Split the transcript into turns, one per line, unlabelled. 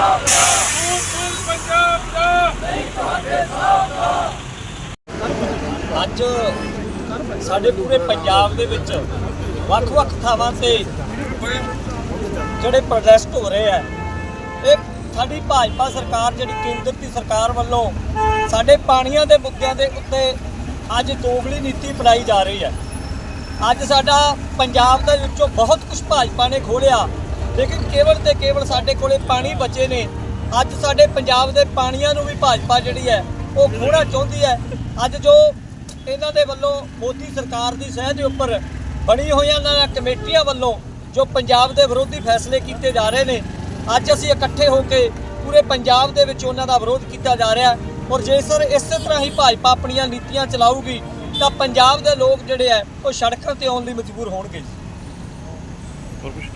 ਅੱਜ ਸਾਡੇ ਪੂਰੇ ਪੰਜਾਬ ਦੇ ਵਿੱਚ ਵੱਖ-ਵੱਖ ਥਾਵਾਂ ਤੇ ਜਿਹੜੇ ਪ੍ਰੋਟੈਸਟ ਹੋ ਰਹੇ ਆ, ਇਹ ਸਾਡੀ ਭਾਜਪਾ ਸਰਕਾਰ ਜਿਹੜੀ ਕੇਂਦਰ ਦੀ ਸਰਕਾਰ ਵੱਲੋਂ ਸਾਡੇ ਪਾਣੀਆਂ ਦੇ ਮੁੱਦਿਆਂ ਦੇ ਉੱਤੇ ਅੱਜ ਦੋਗਲੀ ਨੀਤੀ ਅਪਣਾਈ ਜਾ ਰਹੀ ਹੈ। ਅੱਜ ਸਾਡਾ ਪੰਜਾਬ ਦੇ ਵਿੱਚੋਂ ਬਹੁਤ ਕੁਝ ਭਾਜਪਾ ਨੇ ਖੋਲਿਆ, ਲੇਕਿਨ ਕੇਵਲ ਤੇ ਕੇਵਲ ਸਾਡੇ ਕੋਲੇ ਪਾਣੀ ਬਚੇ ਨੇ। ਅੱਜ ਸਾਡੇ ਪੰਜਾਬ ਦੇ ਪਾਣੀਆਂ ਨੂੰ ਵੀ ਭਾਜਪਾ ਜਿਹੜੀ ਹੈ ਉਹ ਖੋਹਣਾ ਚਾਹੁੰਦੀ ਹੈ। ਅੱਜ ਜੋ ਇਹਨਾਂ ਦੇ ਵੱਲੋਂ ਮੋਦੀ ਸਰਕਾਰ ਦੀ ਸਹਿ ਦੇ ਉੱਪਰ ਬਣੀ ਹੋਈਆਂ ਇਹਨਾਂ ਕਮੇਟੀਆਂ ਵੱਲੋਂ ਜੋ ਪੰਜਾਬ ਦੇ ਵਿਰੋਧੀ ਫੈਸਲੇ ਕੀਤੇ ਜਾ ਰਹੇ ਨੇ, ਅੱਜ ਅਸੀਂ ਇਕੱਠੇ ਹੋ ਕੇ ਪੂਰੇ ਪੰਜਾਬ ਦੇ ਵਿੱਚ ਉਹਨਾਂ ਦਾ ਵਿਰੋਧ ਕੀਤਾ ਜਾ ਰਿਹਾ। ਔਰ ਜੇਕਰ ਇਸੇ ਤਰ੍ਹਾਂ ਹੀ ਭਾਜਪਾ ਆਪਣੀਆਂ ਨੀਤੀਆਂ ਚਲਾਊਗੀ ਤਾਂ ਪੰਜਾਬ ਦੇ ਲੋਕ ਜਿਹੜੇ ਆ ਉਹ ਸੜਕਾਂ ਤੇ ਆਉਣ ਲਈ ਮਜਬੂਰ ਹੋਣਗੇ।